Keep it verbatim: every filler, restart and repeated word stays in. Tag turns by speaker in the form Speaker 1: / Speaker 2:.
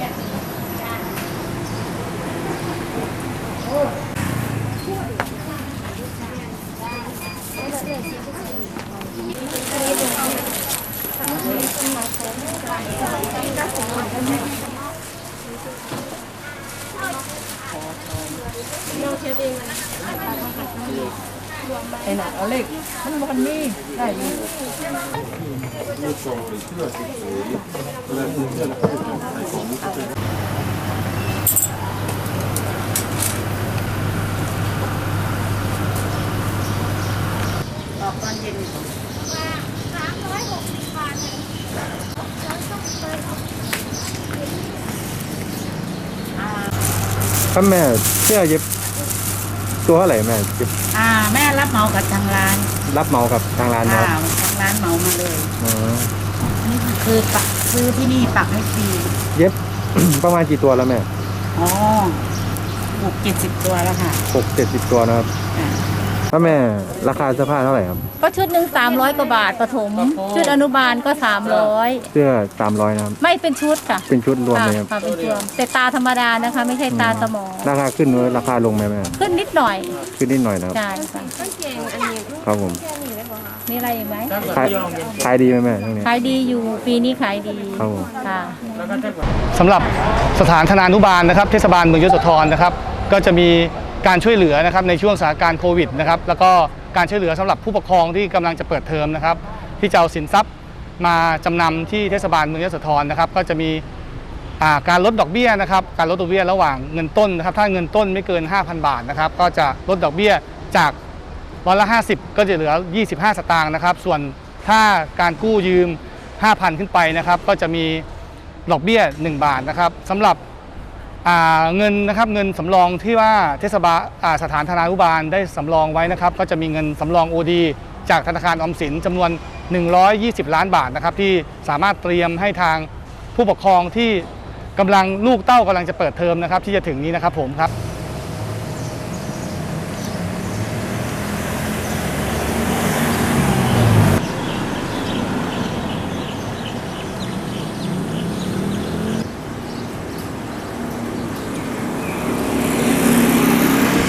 Speaker 1: ไอ้หนักเอาเล็กมันมันมีได้อยู่ออกตอนเย็นสามร้อยหกสิบบาท
Speaker 2: ครับแม่เสื้อเย็บตัวเท่าไหร่แม่เย็บ
Speaker 1: อ่าแม่รับเหมากับทางร้าน
Speaker 2: รับเหมากับทางร้านนะ
Speaker 1: ทางร้านเหมามาเลย
Speaker 2: อ๋อ
Speaker 1: นี่คือปักซื้อที่นี่ปักให้ฟรี
Speaker 2: เย็บ ประมาณกี่ตัวแล้วแม่
Speaker 1: อ๋อหกเจ็ดสิบตัวแล้วค่ะ
Speaker 2: หกเจ็ดสิบตัวนะครับถ้าแม่ราคาเสื้อผ้าเท่าไหร่ครับ
Speaker 3: ก็ชุดหนึ่งสามร้อยกว่าบาทประถมชุดอนุบาลก็สามร้อย
Speaker 2: เสื้อสามร้อยนะครับ
Speaker 3: ไม่เป็นชุดค่ะ
Speaker 2: เป็นชุดรวมเลยครับ
Speaker 3: เป็นรวมแต่ตาธรรมดานะคะไม่ใช่ตาสมอง
Speaker 2: ราคาขึ้นหรือราคาลงไหมแม่
Speaker 3: ขึ้นนิดหน่อย
Speaker 2: ขึ้นนิดหน่อยนะครับ
Speaker 3: ใช่ค่ะ
Speaker 2: ครับผม
Speaker 3: มีอะไรอีกไหม
Speaker 2: ขายขายดีไหมแม่ช่วงนี้
Speaker 3: ขายดีอยู่ปีนี้ขายดี
Speaker 2: ครับผม
Speaker 3: ค่ะ
Speaker 4: สำหรับสถานธนานุบาลนะครับเทศบาลเมืองยโสธรนะครับก็จะมีการช่วยเหลือนะครับในช่วงสถานการณ์โควิดนะครับแล้วก็การช่วยเหลือสำหรับผู้ปกครองที่กำลังจะเปิดเทอมนะครับที่จะเอาสินทรัพย์มาจำนำที่เทศบาลเมืองยโสธรนะครับก็จะมีการลดดอกเบี้ยนะครับการลดดอกเบี้ยระหว่างเงินต้นนะครับถ้าเงินต้นไม่เกิน ห้าพัน บาทนะครับก็จะลดดอกเบี้ยจากร้อยละห้าสิบก็จะเหลือยี่สิบห้าสตางค์นะครับส่วนถ้าการกู้ยืม ห้าพัน ขึ้นไปนะครับก็จะมีดอกเบี้ยหนึ่งบาทนะครับสำหรับเงินนะครับเงินสำรองที่ว่าเทศบาลสถานธนานุบาลได้สำรองไว้นะครับก็จะมีเงินสำรอง โอ ดี จากธนาคารออมสินจำนวนหนึ่งร้อยยี่สิบล้านบาทนะครับที่สามารถเตรียมให้ทางผู้ปกครองที่กำลังลูกเต้ากำลังจะเปิดเทอมนะครับที่จะถึงนี้นะครับผมครับ